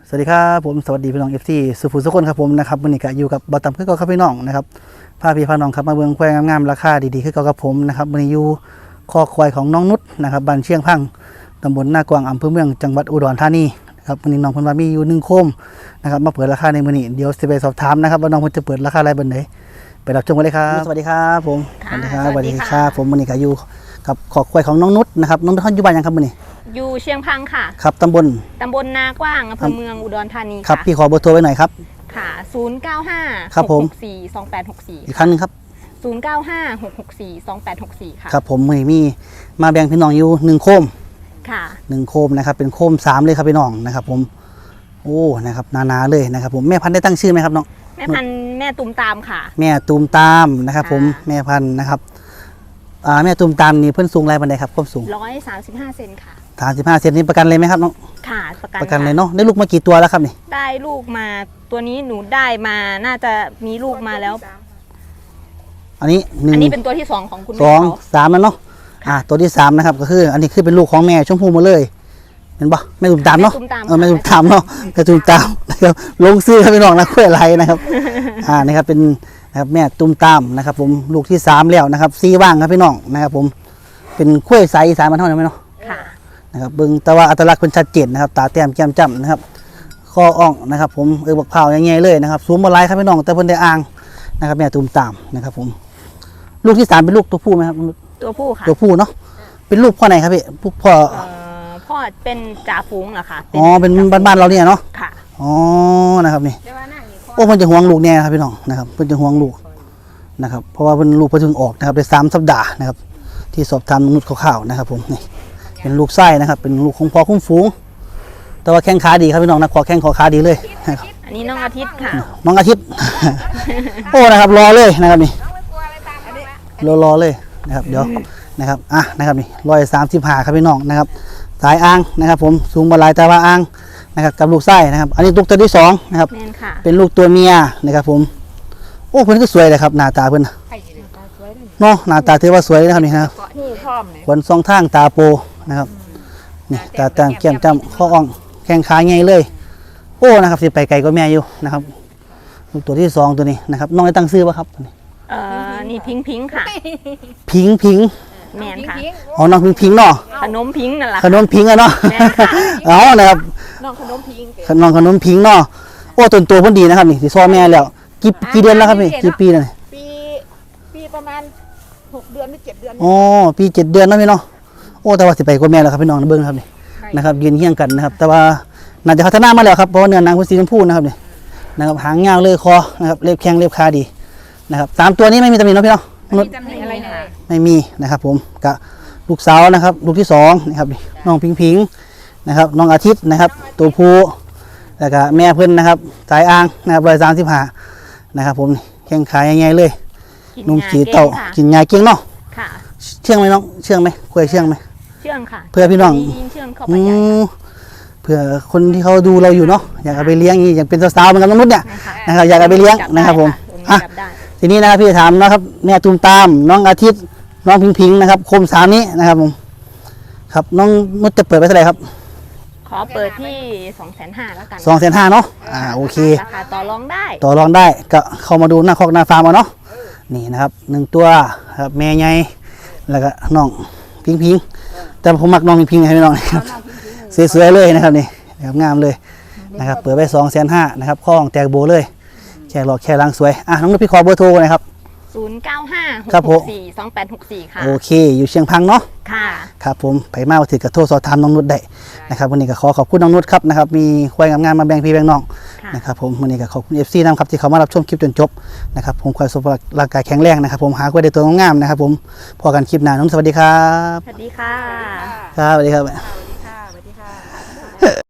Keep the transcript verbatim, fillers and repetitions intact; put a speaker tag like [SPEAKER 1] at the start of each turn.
[SPEAKER 1] สวัสดีครับผมสวัสดีพี่น้องเอฟซีสุภูสุคนครับผมนะครับวันนี้ก็อยู่กับบอตัมคือเก่าครับพี่น้องนะครับพาพี่พาน้องครับมาเบิ่งควายงามๆราคาดีๆคือเก่ากับผมนะครับวันนี้อยู่คอควายของน้องนุชนะครับบ้านเชียงพังตำบลนากวางอำเภอเมืองจังหวัดอุดรธานีนะครับวันนี้น้องเพิ่นว่ามีอยู่หนึ่งโคมนะครับมาเปิดราคาในมื้อนี้เดี๋ยวสิไปสอบถามนะครับว่าน้องเพิ่นจะเปิดราคาอะไรบัดไหนไปรับชมกันเลยครับสวัสดีครับผมสวัสดีครับสวัสดีครับผมวันนี้ก็อยู่กับคอควายของน้องนุชนะครับน้องนุชอยู่บ้านยังครับมื้อนี้
[SPEAKER 2] อยู่เชียงพังค่ะ
[SPEAKER 1] ครับตำบล
[SPEAKER 2] ตำบลนากว้างอำเภอเมืองอุดรธานี
[SPEAKER 1] ครับพี่ขอเบอร์โทรไว้หน่อยครับ
[SPEAKER 2] ค่ะศูนย์เก้าห้า
[SPEAKER 1] ครับผม
[SPEAKER 2] หกหกสี่ สองแปดหกสี่
[SPEAKER 1] อีกครั้งนึงครับ
[SPEAKER 2] ศูนย์เก้าห้า หกหกสี่ สองแปดหกสี่ค่ะ
[SPEAKER 1] ครับผมมีมีมาแบ่งพี่น้องอยู่หนึ่งโคม
[SPEAKER 2] ค่ะ
[SPEAKER 1] หนึ่งโคมนะครับเป็นโคมสามเลยครับพี่น้องนะครับผมโอ้นะครับหนาๆเลยนะครับผมแม่พันธุ์ได้ตั้งชื่อไหมครับน้อง
[SPEAKER 2] แม่พันธุ์แม่ตุ่มตามค่ะ
[SPEAKER 1] แม่ตูมตามนะครับผมแม่พันธุ์นะครับอ่าแม่ตูมตามนี่เพิ่นสูงไรบันไดครับความสูง
[SPEAKER 2] ร้อยสามสิบห้าเซนค่ะ
[SPEAKER 1] สามสิบห้าเซนนี่ประกันเลยไหมครับน้อง
[SPEAKER 2] ค่ะประกัน
[SPEAKER 1] ประกันเลยเนาะได้ลูกมากี่ตัวแล้วครับนี่
[SPEAKER 2] ได้ลูกมาตัวนี้หนูได้มาน่าจะมีลูกมาแล้ว
[SPEAKER 1] อันนี้หนึ่ง
[SPEAKER 2] อันนี้เป็นตัวที่สองของคุณ
[SPEAKER 1] สองสามแล้วเนาะอ่าตัวที่สามนะครับก็คืออันนี้คือเป็นลูกของแม่ชมพูมาเลยเห็นปะแม่ตุ่มตามเนาะเออแม่ตุ่มตามเนาะแม่ตุ่มตามนะครับลงซื้อครับพี่น้องนะคุยอะไรนะครับอ่านะครับเป็นนะครับแม่ตุ่มตามนะครับผมลูกที่สามแล้วนะครับซีว่างครับพี่น้องนะครับผมเป็นคุยใสสายมันเท่านั้นไหมเนาะ
[SPEAKER 2] ค่ะ
[SPEAKER 1] นะครับเบิ้งแต่ว่าอัตลักษณ์เป็นชัดเจนนะครับตาแต้มแก้มจ้ำนะครับข้ออ่องนะครับผมเออบักเผาอย่างเงี้ยเลยนะครับซูมบอลไลครับพี่น้องแต่เพิ่นได้อ่างนะครับแม่ตุ่มตามนะครับผมลูกที่สามเป็นลูกตัวผู้ไหมครับ
[SPEAKER 2] ตัวผู้ค่ะ
[SPEAKER 1] ตัวผู้เนาะเป็นลูกพ่อไหนครับพี่พ่อ
[SPEAKER 2] พ่อเป็นจ่าฝูงเหรอคะ
[SPEAKER 1] อ๋อเป็นบ้านๆเราเนี่ยเนาะ
[SPEAKER 2] ค่ะ
[SPEAKER 1] อ๋อนะครับนี่โอ้เพิ่นจะห่วงลูกแน่ครับพี่น้องนะครับเพิ่นจะห่วงลูกนะครับเพราะว่าเพิ่นลูกเพิ่งถึงออกนะครับได้สามสัปดาห์นะครับที่สอบถามนุชข่าวๆนะครับผมนี่เป็นลูกไส้นะครับเป็นลูกของพ่อคุ้มฝูงแต่ว่าแข้งขาดีครับพี่น้องนะขอแข้งขอขาดีเลย
[SPEAKER 2] อันนี้น้องอาทิตย์ค่ะ
[SPEAKER 1] น้องอาทิตย์โอ้นะครับรอเลยนะครับนี่รอรอเลยนะครับเดี๋ยวนะครับอ่ะนะครับนี่ร้อยสามสิบห้าครับพี่น้องนะครับสายอ่างนะครับผมสูงบาลายแต่ว่าอ่างนะครับกับลูกไส้นะครับอันนี้ลูกตัวที่สองนะครับเป็นลูกตัวเมียนะครับผมโอ้เพื่อนก็สวยเลยครับหน้าตาเพื่อนเนาะหน้าตาถือว่าสวยนะครับนี่นะครับขนสองทางตาโปนะครับนี่ตาต่างแก้มจ้ำข้ออ่องแข้งขาใหญ่เลยโอ้นะครับสิไปไกลก็แม่อยู่นะครับลูกตัวที่สองตัวนี้นะครับน้องได้ตั้งชื่อป่ะครับ
[SPEAKER 2] เอ่อนี่พิงพิงค่ะ
[SPEAKER 1] พิงพิง
[SPEAKER 2] แมนค่ะ
[SPEAKER 1] อ๋อน้องพิงพิงเนาะ
[SPEAKER 2] ขนมพิงนั่นแหละ
[SPEAKER 1] ขนมพิงอะเนาะอ๋อนะครับ
[SPEAKER 2] น้องขนมพิง
[SPEAKER 1] น้องขนมพิงเนาะโอ้ตัวตัวเพิ่นดีนะครับนี่ที่ซ้อแม่แล้วกี่กี่เดือนแล้วครับพี่กี่ปีแล้วนี่
[SPEAKER 3] ปีปีประมาณหกเดือนหรือเจ็ดเดือน
[SPEAKER 1] อ๋อปีเจ็ดเดือนแล้วพี่เนาะโอ้แต่ว่าสิไปกว่าแม่แล้วครับพี่น้องเบิ่งครับนี่นะครับยืนเฮี้ยงกันนะครับแต่ว่าน่าจะพัฒนามาแล้วครับเพราะเนื้อหนังเป็นสีชมพูนะครับนี่นะครับหางยาวเลยคอนะครับเล็บแข้งเล็บขาดีนะครับสามตัวนี้ไม่มีตำหนิเนาะพี่เนาะ
[SPEAKER 2] ไม่มีตำหนิอะไรเลย
[SPEAKER 1] ไม่มีนะครับผมกับลูกสาวนะครับลูกที่สองนะครับน้องพิงพิงนะครับน้องอาทิตย์นะครับตัวผู้แล้วก็แม่เพื่อนนะครับสายอ่างนะครับร้อยสามสิบห้านะครับผมแข้งขาใหญ่ๆเลยนุ่มจีเต่ากินยาเก่งเนาะเชื่องไหมน้องเชื่องไหมคุยเชื่องไหม
[SPEAKER 2] เชื่องค่ะ
[SPEAKER 1] เพื่อพี่น้อง
[SPEAKER 2] เชื่องเข้าไปใหญ่
[SPEAKER 1] เพื่อคนที่เขาดูเราอยู่เนาะอยากเอาไปเลี้ยงนี่อยากเป็นสาวๆเหมือนกับมนุษย์เนี่ยนะครับอยากเอาไปเลี้ยงนะครับผมอ่ะทีนี้นะครับพี่ถามนะครับแม่ตูมตามน้องอาทิตย์น้องพิงพิงนะครับโคมสามนี้นะครับผมครับน้องนุชจะเปิดไปเท่าไหร่ครับ
[SPEAKER 2] ขอเปิดที่สองแสนห้าแล้วกัน
[SPEAKER 1] สองแสนห้าเนาะอ่าโอเค
[SPEAKER 2] ราคาต่อรองได้
[SPEAKER 1] ต่อรองได้ก็เข้ามาดูหน้าคอกหน้าฟาร์มเอาเนาะนี่นะครับหนึ่งตัวครับแม่ใหญ่แล้วก็น้องพิงพิงแต่ผมมักน้องพิงพิงให้น้องนะครับสวยๆเลยนะครับนี่แบบงามเลยนะครับเปิดไปสองแสนห้านะครับข้องแตกโบเลยแค่หลอกแค่ล้างสวยอ่ะน้องนุชพี่ขอเบอร์โทรนะครับ
[SPEAKER 2] ศูนย์เก้าห้า หกหกสี่ สองแปดหกสี่ค่ะ
[SPEAKER 1] โอเคอยู่เชียงพังเนาะ
[SPEAKER 2] ค่ะ
[SPEAKER 1] ครับผมไปมาถือกระโทรสอบถามน้องนุชได้นะครับวันนี้ก็ขอขอบคุณน้องนุชครับนะครับมีควายงามๆมาแบ่งพี่แบ่งน้องนะครับผมวันนี้ก็ขอบคุณ เอฟ ซี นะครับที่เขามารับชมคลิปจนจบนะครับผมควายสุขภาพร่างกายแข็งแรงนะครับผมหาควายได้ตัวงามๆนะครับผมพอกันคลิปหน้าน้องสวัสดีครับ
[SPEAKER 2] สวัสดีค่ะ
[SPEAKER 1] ครับสวัสดีครับ